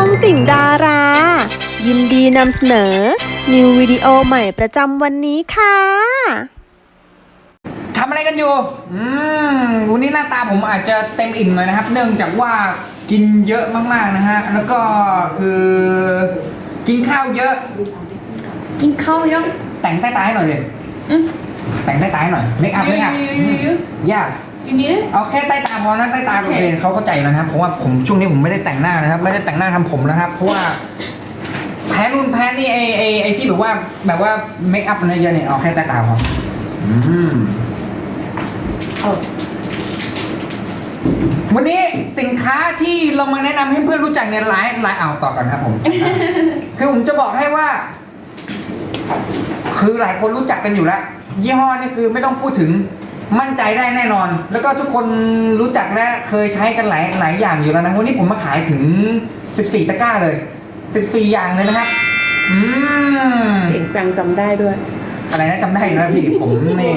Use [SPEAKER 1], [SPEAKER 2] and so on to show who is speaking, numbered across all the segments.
[SPEAKER 1] องติ่งดารา ยินดีนำเสนอ นิววิดีโอใหม่ประจำวันนี้ค่ะ
[SPEAKER 2] ทำอะไรกันอยู่วันนี้หน้าตาผมอาจจะเต็มอิ่มหน่อยนะครับ เนื่องจากว่ากินเยอะมากๆนะฮะ แล้วก็คือกินข้าวเยอะ
[SPEAKER 3] กินข้าวเยอะ
[SPEAKER 2] แต่งใต้ตาให้หน่อยดิแต่งใต้ตาให้หน่อยเมคอัพยากเอาแค่ใต้ตาพอนะใต้ตาโอเคเขาเข้าใจแล้วนะครับเพราะว่าผมช่วงนี้ผมไม่ได้แต่งหน้านะครับ ไม่ได้แต่งหน้าทำผมนะครับ เพราะว่าแพ้นู่นแพ้นี่ไอที่แบบว่าเมคอัพอะไรเยอะเนี่ยเอาแค่ใต้ตาพอวันนี้สินค้าที่เรามาแนะนำให้เพื่อนรู้จักเนี่ยหลายเอาต่อกันครับผม คือผมจะบอกให้ว่า คือหลายคนรู้จักกันอยู่แล้วยี่ห้อนี่คือไม่ต้องพูดถึงมั่นใจได้แน่นอน แล้วก็ทุกคนรู้จักและเคยใช้กันหลายอย่างอยู่แล้วนะวันนี้ผมมาขายถึง14ตะกร้าเลย14อย่างเลยนะครับ
[SPEAKER 3] เก่งจังจำได้ด้วย
[SPEAKER 2] อะไรนะจำได้นะพี่ผมนี่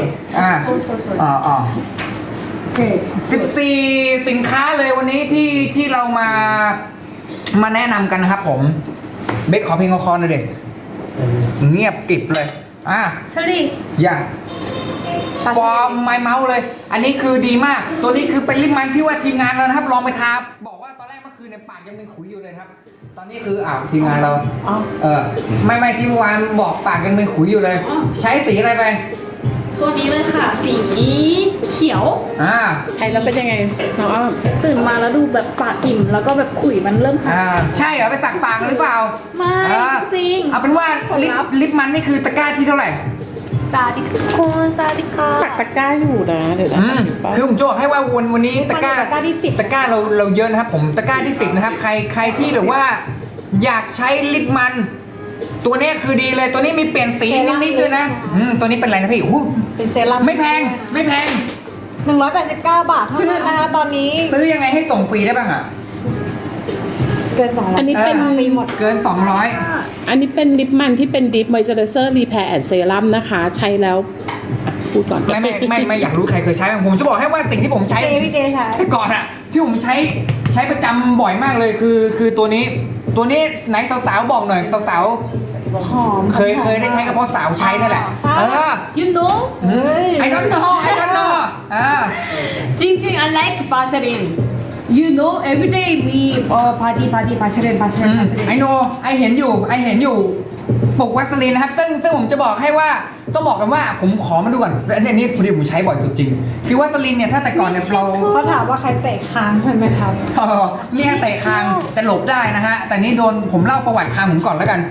[SPEAKER 2] 14สินค้าเลยวันนี้ที่เรามาแนะนำกันนะครับผมเบคขอเพลงคอหน่อยเด็กเงียบกริบเลย
[SPEAKER 3] เชลี่
[SPEAKER 2] อย่าฟอร์มไม้เมาส์เลยอันนี้คือดีมากตัวนี้คือเป็นลิปมันที่ว่าทีมงานเรานะครับลองไปทาบอกว่าตอนแรกเมื่อคืนในปากยังเป็นขุยอยู่เลยครับตอนนี้คือทีมงานเราไม่ที่เมื่อวานบอกปากยังเป็นขุยอยู่เลยใช้สีอะไรไป
[SPEAKER 3] ตัวนี้เลยค่ะสีเขียวใช้แล้วเป็นยังไงน้องอ้อมตื่นมาแล้วดูแบบปากอิ่มแล้วก็แบบขุยมันเริ่ม
[SPEAKER 2] ใช่เหรอไปสักปากหรือเปล่า
[SPEAKER 3] ไม่จริง
[SPEAKER 2] เอาเป็นว่าลิปมันนี่คือตะกร้าที่เท่าไหร่
[SPEAKER 3] ซาดิค่ะปักตะกร้าอยู่นะเดี๋ยว
[SPEAKER 2] คือผมจะบอกให้ว่าวันนี้ตะกร้า
[SPEAKER 3] ที่10
[SPEAKER 2] ตะกร้าเราเยอะนะครับผมตะกร้าที่10นะครับใครที่แบบว่าอยากใช้ลิปมันตัวนี้คือดีเลยตัวนี้มีเปลี่ยนสีนิดๆด้วยนะตัวนี้เป็นอะไรนะพี่
[SPEAKER 3] เป็นเซรั่ม
[SPEAKER 2] ไม่แพง
[SPEAKER 3] 189 บาทเท่านั้นนะคะตอนนี้
[SPEAKER 2] ซื้อยังไงให้ส่งฟรีได้บ้าง
[SPEAKER 3] เกิน200
[SPEAKER 4] อันนี้เป็น
[SPEAKER 3] มีหมด
[SPEAKER 2] เกิน200
[SPEAKER 4] อันนี้เป็นลิปมันที่เป็นดิฟมอยเจอร์เซอร์รีแพร์แอนด์เซรั่มนะคะใช้แล้วพูดก่อน
[SPEAKER 2] ไม่อยากรู้ใครเคยใช้ผมจะบอกให้ว่าสิ่งที่ผมใช้แต่ก่อนที่ผมใช้ประจำบ่อยมากเลยคือตัวนี้ไหนสาวๆบอกหน่อยสาว
[SPEAKER 3] หอม
[SPEAKER 2] เคยได้ใช้กับเพราะสาวใช้นั่นแหละ
[SPEAKER 3] you know
[SPEAKER 2] I don't know
[SPEAKER 3] จริงๆ I like Vaseline you know every day we party Vaseline
[SPEAKER 2] I know ไอเห็นอยู่ปลุกวัสลีนนะครับซึ่งผมจะบอกให้ว่าต้องบอกกันว่าผมขอมาดูก่อนอันนี้พอดีผมใช้บ่อยสุดจริงคือวัสลีนเนี่ยถ้าแต่ก่อนเนี่ย
[SPEAKER 3] เขาถามว่าใครเตะคางมันไหมครับ
[SPEAKER 2] นี่เตะคางแต่หลบได้นะฮะแต่นี่โดนผมเล่าประวัติคางผมก่อนแล้วกัน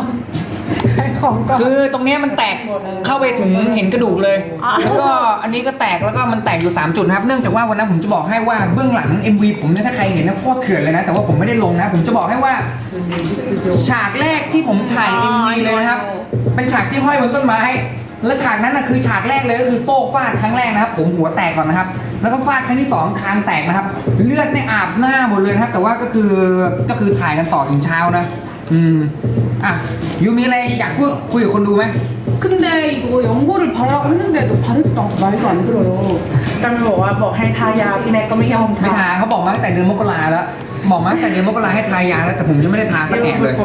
[SPEAKER 2] คือตรงนี้มันแตกเข้าไปถึงเห็นกระดูกเลยแล้วก็อันนี้ก็แตกแล้วก็มันแตกอยู่3จุดครับเนื่องจากว่าวันนั้นผมจะบอกให้ว่าเบื้องหลัง MV ผมเนี่ยถ้าใครเห็นนะโคตรเถื่อนเลยนะแต่ว่าผมไม่ได้ลงนะผมจะบอกให้ว่าฉากแรกที่ผมถ่าย MV เลยนะครับเป็นฉากที่ห้อยบนต้นไม้และฉากนั้นนะคือฉากแรกเลยก็คือโต้ฟาดครั้งแรกนะครับผมหัวแตกก่อนนะครับแล้วก็ฟาดครั้งที่2คางแตกนะครับเลือดในอาบหน้าหมดเลยนะครับแต่ว่าก็คือถ่ายกันต่อถึงเช้านะยูมีอะไรอยากคุยกับคนดูไหม
[SPEAKER 3] 근데 이거 연고를 바르라고 했는데도 바르지도 않고 말도 안 들어요.
[SPEAKER 4] ตั้งบอกให้ทายาพี่แน็กก็ไม่ยอม
[SPEAKER 2] ไม่ทาเขาบอกมาตั้งแต่เดือนมกราแล้วบอกมาตั้งแต่เดือนมกราให้ทายาแล้วแต่ผมยังไม่ได้ทาสักแอะเลย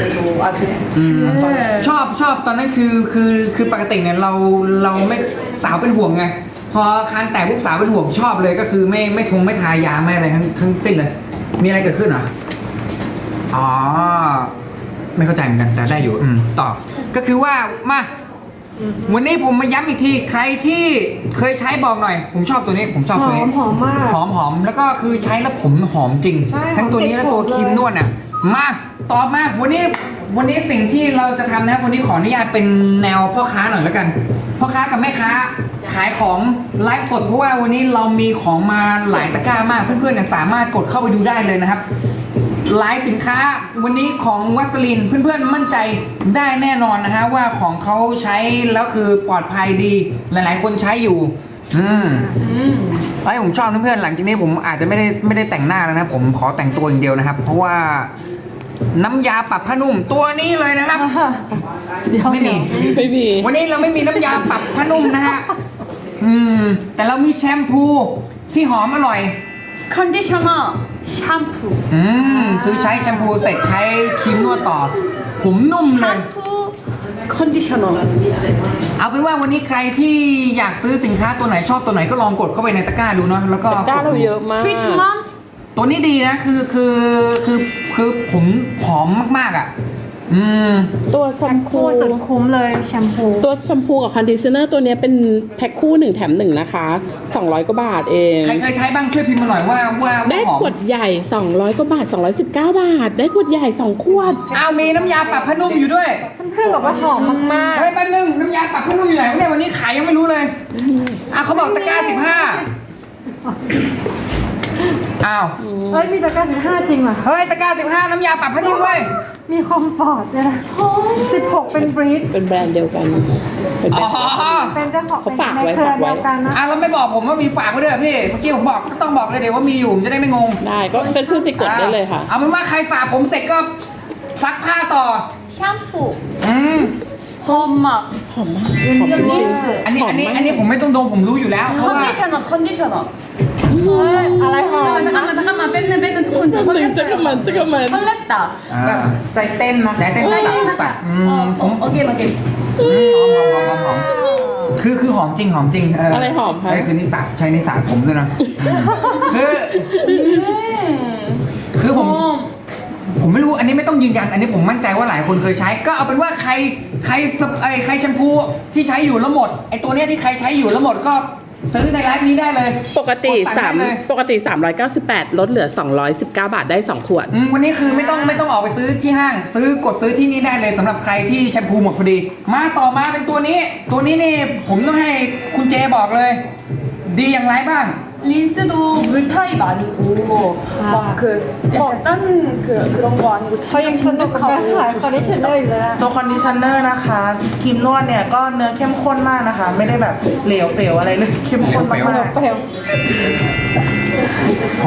[SPEAKER 2] ชอบตอนนั้นคือปกติเนี่ยเราไม่สาวเป็นห่วงไงพอคางแตกพวกสาวเป็นห่วงชอบเลยก็คือไม่ทายาไม่อะไรทั้งสิ้นเลยมีอะไรเกิดขึ้นเหรอไม่เข้าใจเหมือนกันแต่ได้อยู่ต่อก็คือว่ามาวันนี้ผมมาย้ำอีกทีใครที่เคยใช้บอกหน่อยผมชอบตัวนี้
[SPEAKER 3] หอมมาก
[SPEAKER 2] หอมแล้วก็คือใช้แล้วผมหอมจริงทั้งตัวนี้และตัวครีมนวดมาตอบมาวันนี้สิ่งที่เราจะทำนะครับวันนี้ขออนุญาตเป็นแนวพ่อค้าหน่อยแล้วกันพ่อค้ากับแม่ค้าขายของไลฟ์สดเพราะว่าวันนี้เรามีของมาหลายตะกร้ามากเพื่อนๆสามารถกดเข้าไปดูได้เลยนะครับหลายสินค้าวันนี้ของวัสลินเพื่อนๆมั่นใจได้แน่นอนนะฮะว่าของเขาใช้แล้วคือปลอดภัยดีหลายๆคนใช้อยู่ไอ้ผมชอบเพื่อนๆหลังจากนี้ผมอาจจะไม่ได้แต่งหน้าแล้วนะผมขอแต่งตัวอย่างเดียวนะครับเพราะว่าน้ำยาปรับผ้านุ่มตัวนี้เลยนะครับไม่มีวันนี้เราไม่มีน้ำยาปรับผ้านุ่มนะฮะแต่เรามีแชมพูที่หอมอร่อย
[SPEAKER 3] 컨디셔너 샴푸
[SPEAKER 2] คือใช้แชมพูเสร็จใช้ครีมนวดต่อ ผมนุ่มเลย
[SPEAKER 3] 샴푸 컨디셔너
[SPEAKER 2] เอาเป็นว่าวันนี้ใครที่อยากซื้อสินค้าตัวไหนชอบตัวไหนก็ลองกดเข้าไปในตะกร้าดูเนาะแล้วก็
[SPEAKER 4] ด้าเราเยอะมาก
[SPEAKER 3] 트리트먼트
[SPEAKER 2] ตัวนี้ดีนะคือผมหอมมากๆอ่ะ
[SPEAKER 4] ตัวแชมพู
[SPEAKER 5] คู่สุดคุ้มเลยแชมพู
[SPEAKER 4] ตัวแชมพูกับคอนดิชเนอร์ตัวเนี้ยเป็นแพ็คคู่1แถม1นะคะ200กว่าบาทเอง
[SPEAKER 2] ใครเคยใช้บ้างช่วยพิมพ์มาหน่อยว่า
[SPEAKER 4] ได้
[SPEAKER 2] หอม
[SPEAKER 4] ขวดใหญ่200กว่าบาท219 บาท ได้ขวดใหญ่2ขวด
[SPEAKER 2] อ้าวมีน้ำยาปรับผ้านุ่มอยู่ด้วย
[SPEAKER 5] เพื่อนๆบอกว่าหอมมาก
[SPEAKER 2] เฮ้ยแป๊บนึงน้ำยาปรับผ้านุ่มอยู่ไหนวะเนี่ยวันนี้ขายยังไม่รู้เลยเขาบอกตะกร้า15อ้าว
[SPEAKER 5] ๆเอ้ยมีตะกร้า15จริงเหรอ
[SPEAKER 2] เฮ้ยตะกร้า15น้ำยาปรับผ้านุ่มเว้ย
[SPEAKER 5] มีคอมฟอร์ตด้วยนะ16เป็นบรีด
[SPEAKER 4] เป็นแบรนด์เดียวกันเป็นแบร
[SPEAKER 2] อ๋
[SPEAKER 4] น
[SPEAKER 2] อ
[SPEAKER 4] ด์
[SPEAKER 5] เป็นเจ้าของ
[SPEAKER 4] เขาฝาก
[SPEAKER 5] ใน
[SPEAKER 4] ไว้
[SPEAKER 5] เครือ
[SPEAKER 4] ฝากไว้
[SPEAKER 5] เดียวกันนะ
[SPEAKER 2] อ่ะแล้วไม่บอกผมว่ามีฝากไว้ด้วยเหรอพี่เมื่อกี้ผมบอกก็ต้องบอกเลยเดี๋ยวว่ามีอยู่ผมจะได้ไม่งง
[SPEAKER 4] ได้ก็เป็นเพื่อนไปกดได้เลยค่ะ
[SPEAKER 2] เอาเป็นว่าใครสระผมเสร็จก็ซักผ้าต่อ
[SPEAKER 3] 샴푸
[SPEAKER 2] อืม
[SPEAKER 3] 홈막
[SPEAKER 4] หอมมากหอมจริง
[SPEAKER 3] 린스
[SPEAKER 2] อันนี้
[SPEAKER 4] หอมมาก
[SPEAKER 2] อันนี้ผมไม่ต้องดมผมรู้อยู่แล้วเพราะว่า
[SPEAKER 3] 컨디셔너
[SPEAKER 5] อะไรหอม
[SPEAKER 3] 잠깐만 뺏는 조금 더
[SPEAKER 4] 잠깐만
[SPEAKER 3] 설렜다
[SPEAKER 2] แบบ
[SPEAKER 6] ใจเต้นนะ
[SPEAKER 2] ใจเต้นตับผม
[SPEAKER 3] 어게인
[SPEAKER 2] หอมคือหอมจริงเ
[SPEAKER 4] อะไรหอมคะ
[SPEAKER 2] นี่คือนิสาใช้นิสาผมด้วยนะคือผมไม่รู้อันนี้ไม่ต้องยืนยันอันนี้ผมมั่นใจว่าหลายคนเคยใช้ ก็เอาเป็นว่าใครแชมพูที่ใช้อยู่แล้วหมดไอตัวเนี้ยที่ใครใช้อยู่แล้วหมดก็ซื้อในไลฟ์นี้ได้เลย
[SPEAKER 4] ปกติ
[SPEAKER 2] ดสั่งได้เลย
[SPEAKER 4] 398ลดเหลือ219 บาทได้2ขวด
[SPEAKER 2] วันนี้คือไม่ต้องออกไปซื้อที่ห้างกดซื้อที่นี่ได้เลยสำหรับใครที่แชมพูหมดพอดีมาต่อมาเป็นตัวนี้นี่ผมต้องให้คุณเจบอกเลย ดีอย่างไรบ้าง
[SPEAKER 3] 린스도 물타입 아니고 막 그 약간 싼 그런 거 아니고
[SPEAKER 5] เขายัง
[SPEAKER 3] 진짜
[SPEAKER 5] สนุกกับการขาย
[SPEAKER 3] 진득하고
[SPEAKER 5] คอนดิชเนอร์อยู่เลยอะ
[SPEAKER 6] ตัวคอนดิชเนอร์นะคะครีมนวดเนี่ยก็เนื้อเข้มข้นมากนะคะ ไม่ได้แบบเหลวเปลวอะไรเลยเข้มข้นมาก
[SPEAKER 2] เหลว
[SPEAKER 6] ๆ
[SPEAKER 5] เปรี้ยว
[SPEAKER 2] ห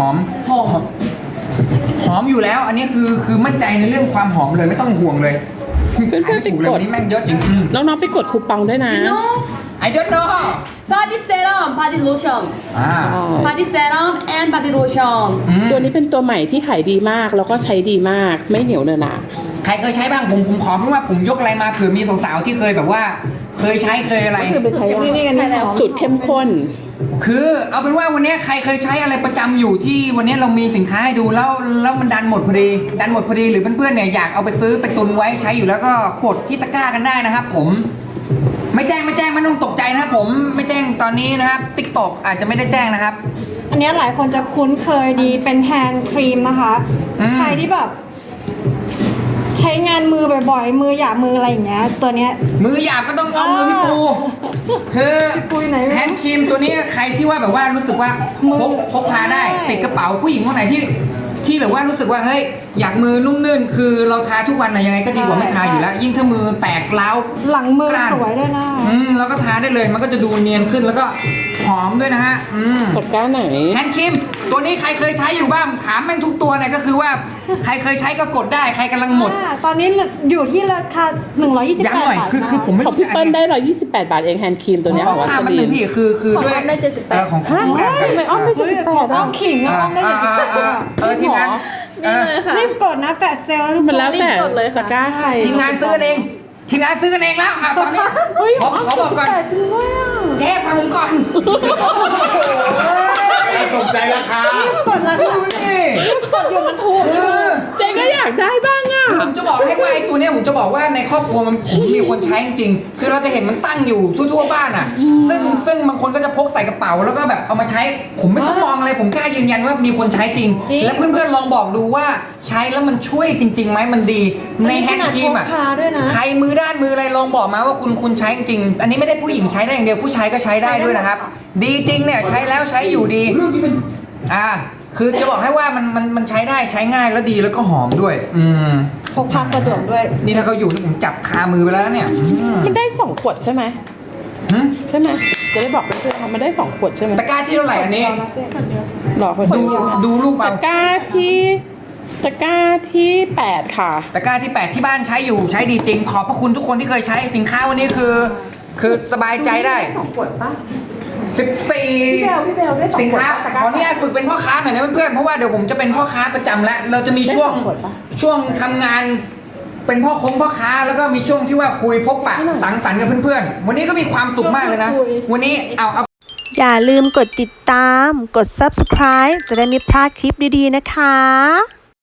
[SPEAKER 2] อมอยู่แล้ว อันนี้คือมั่นใจในเรื่องความหอมเลยไม่ต้องห่วงเลย
[SPEAKER 4] เพื่อนๆ
[SPEAKER 2] ขายไม่ถูกเลย
[SPEAKER 4] ไปกด
[SPEAKER 2] วันนี้แม่งเยอะจริง
[SPEAKER 4] น้องๆไปกดคูปองด้วยนะ
[SPEAKER 2] I don't know
[SPEAKER 3] 바디 세럼, 바디 로션
[SPEAKER 2] อ่า
[SPEAKER 3] 바디 세럼 앤 바디 로션
[SPEAKER 4] ตัวนี้เป็นตัวใหม่ที่ขายดีมากแล้วก็ใช้ดีมากไม่เหนียวเนอะหนะ
[SPEAKER 2] ใครเคยใช้บ้างผมขอเพราะว่าผมยกอะไรมาเผื่อมีสาวๆที่เคยแบบว่า เคยใช้เคยอะไร
[SPEAKER 4] คือเป็นใช้
[SPEAKER 5] นี่กันหอม
[SPEAKER 4] สูตรเข้มข้น
[SPEAKER 2] คือเอาเป็นว่าวันนี้ใครเคยใช้อะไรประจำอยู่ที่วันนี้เรามีสินค้าให้ดูแล้วมันดันหมดพอดีหรือเพื่อนๆเนี่ยอยากเอาไปซื้อไปตุนไว้ใช้อยู่แล้วก็กดที่ตะกร้ากันได้นะครับผมไม่แจ้งไม่ต้องตกใจนะครับผมไม่แจ้งตอนนี้นะครับ TikTok อาจจะไม่ได้แจ้งนะครับ
[SPEAKER 5] อันเนี้ยหลายคนจะคุ้นเคยดีเป็นแฮนด์ครีมนะคะ ใครที่แบบ ใช้งานมือบ่อยๆ มือหยาบมืออะไรอย่างเงี้ย ตัวเนี้ย
[SPEAKER 2] มือหยาบก็ต้องเอามือพี่ปูคือ
[SPEAKER 5] พี่ปูอยู่ไหนไม่รู้
[SPEAKER 2] แฮนด์ครีมตัวนี้ใครที่ว่าแบบว่ารู้สึกว่า
[SPEAKER 5] มือ
[SPEAKER 2] พกพาได้ติดกระเป๋าผู้หญิงคนไหนที่แบบว่ารู้สึกว่าเฮ้ยอยากมือนุ่มนื่นคือเราทาทุกวันนะยังไงก็ดีกว่าไม่ทาอยู่แล้ว ยิ่งถ้ามือแตกร้าว
[SPEAKER 5] หลังมือก
[SPEAKER 2] ล้าน
[SPEAKER 5] สวยด้วยนะ
[SPEAKER 2] แล้วก็ทาได้เลยมันก็จะดูเนียนขึ้นแล้วก็หอมด้วยนะฮะ
[SPEAKER 4] ตะกร้าไหน
[SPEAKER 2] แฮนด์ครีมตัวนี้ใครเคยใช้อยู่บ้างถามแม่งทุกตัวเนี่ยก็คือว่าใครเคยใช้ก็กดได้ใครกำลังหมด
[SPEAKER 5] ตอนนี้อยู่ที่ราคา128
[SPEAKER 2] ย้ำหน่อย
[SPEAKER 5] บาท
[SPEAKER 2] คือผมไม่
[SPEAKER 4] ของ
[SPEAKER 2] รู้
[SPEAKER 4] พี่
[SPEAKER 2] จะ
[SPEAKER 4] เปิ้ลได้ 128 บาทเองแฮนด์ครีมตัวเนี้ย
[SPEAKER 2] ข
[SPEAKER 4] ข
[SPEAKER 2] อ
[SPEAKER 4] องวั
[SPEAKER 2] ภาพ
[SPEAKER 4] ส
[SPEAKER 2] มัน
[SPEAKER 4] ลี
[SPEAKER 2] หนึ่
[SPEAKER 4] น
[SPEAKER 2] งพี่คือด้วย
[SPEAKER 3] ได้78
[SPEAKER 2] ของ
[SPEAKER 4] ฮะ
[SPEAKER 2] คู่กันกัน
[SPEAKER 4] ทำไมอ้อมไม่78
[SPEAKER 5] อ้อ
[SPEAKER 4] อ่ะ
[SPEAKER 5] มขิงอ้อมได้อย่างนี้
[SPEAKER 2] ทีมงาน
[SPEAKER 3] นี่เลยค่ะ
[SPEAKER 5] รีบกดนะแฟลชเซลล์แล้วทุกค
[SPEAKER 4] มัน
[SPEAKER 5] น
[SPEAKER 4] แล้วแต่
[SPEAKER 3] รีบกดเลยค่ะ
[SPEAKER 4] ตะกร้าใคร
[SPEAKER 2] ทีมงานซื้อกันเองแล้วตอนนี้
[SPEAKER 4] เฮ้ย
[SPEAKER 2] ขอบอกก่อน
[SPEAKER 5] แต่จริงด้วยอ่ะ
[SPEAKER 2] เจ๊ฟังผมก่อน
[SPEAKER 7] สนใจราคา
[SPEAKER 5] กดราคา
[SPEAKER 2] นี่
[SPEAKER 5] กดอยู่มันถูก
[SPEAKER 2] คือ
[SPEAKER 4] เจ๊ก็อยากได้บ้างอ่ะ
[SPEAKER 2] ผมจะบอกให้ว่าไอ้ตัวเนี้ยผมจะบอกว่าในครอบครัวมันมีคนใช้จริงๆคือเราจะเห็นมันตั้งอยู่ทั่วๆบ้านอ่ะ ซึ่งบางคนก็จะพกใส่กระเป๋าแล้วก็แบบเอามาใช้ ผมไม่ต้องมองอะไรผมกล้ายืนยันว่ามีคนใช้จริง และเพื่อนๆลองบอกดูว่าใช้แล้วมันช่วยจริงๆไหมมันดีในแฮนด์ครีมอ่ะ
[SPEAKER 5] พาด้วยนะ
[SPEAKER 2] ใครมือด้านมืออะไรลองบอกมาว่าคุณใช้จริงๆอันนี้ไม่ได้ผู้หญิงใช้ได้อย่างเดียวผู้ชายก็ใช้ได้ด้วยนะครับ ดีจริงเนี่ยใช้แล้วใช้อยู่ดีคือจะบอกให้ว่ามันใช้ได้ใช้ง่ายแล้วดีแล้วก็หอมด้วย
[SPEAKER 5] พกพาสะดวกด้วย
[SPEAKER 2] นี่ถ้าเขาอยู่ที่ผมจับคามือไปแล้วเนี่ย
[SPEAKER 4] มันได้2ขวดใช่ไหม
[SPEAKER 2] หืม
[SPEAKER 4] ใช่ไหมจะได้บอกเพื่อนๆว่ามันได้2ขวดใช่ไหม
[SPEAKER 2] ตะกร้าที่เท่าไหร่อันนี้
[SPEAKER 4] หรอคน
[SPEAKER 2] ดูรูป
[SPEAKER 4] ตะ
[SPEAKER 2] เอา
[SPEAKER 4] กร้าที่8ค่ะ
[SPEAKER 2] ตะกร้าที่ 8 ที่บ้านใช้อยู่ใช้ดีจริง ขอบพระคุณทุกคนที่เคยใช้สินค้าวันนี้คือสบายใจได้
[SPEAKER 5] 2 ขวดป่ะ
[SPEAKER 2] 14
[SPEAKER 3] พี่เบลได้2
[SPEAKER 2] สิน
[SPEAKER 3] ขวด
[SPEAKER 2] ค้า
[SPEAKER 3] ปะ
[SPEAKER 2] ขออนุญาตฝึกเป็นพ่อค้าหน่อยนะเพื่อนๆเพราะว่าเดี๋ยวผมจะเป็นพ่อค้าประจำแล้วเราจะมีช่วงทำงานเป็นพ่อค้าแล้วก็มีช่วงที่ว่าคุยพบปะสังสรรค์กับเพื่อนๆวันนี้ก็มีความสุขมากเลยนะวันนี้เอา
[SPEAKER 1] อย่าลืมกดติดตาม กด subscribe จะได้ไม่พลาดคลิปดีๆนะคะ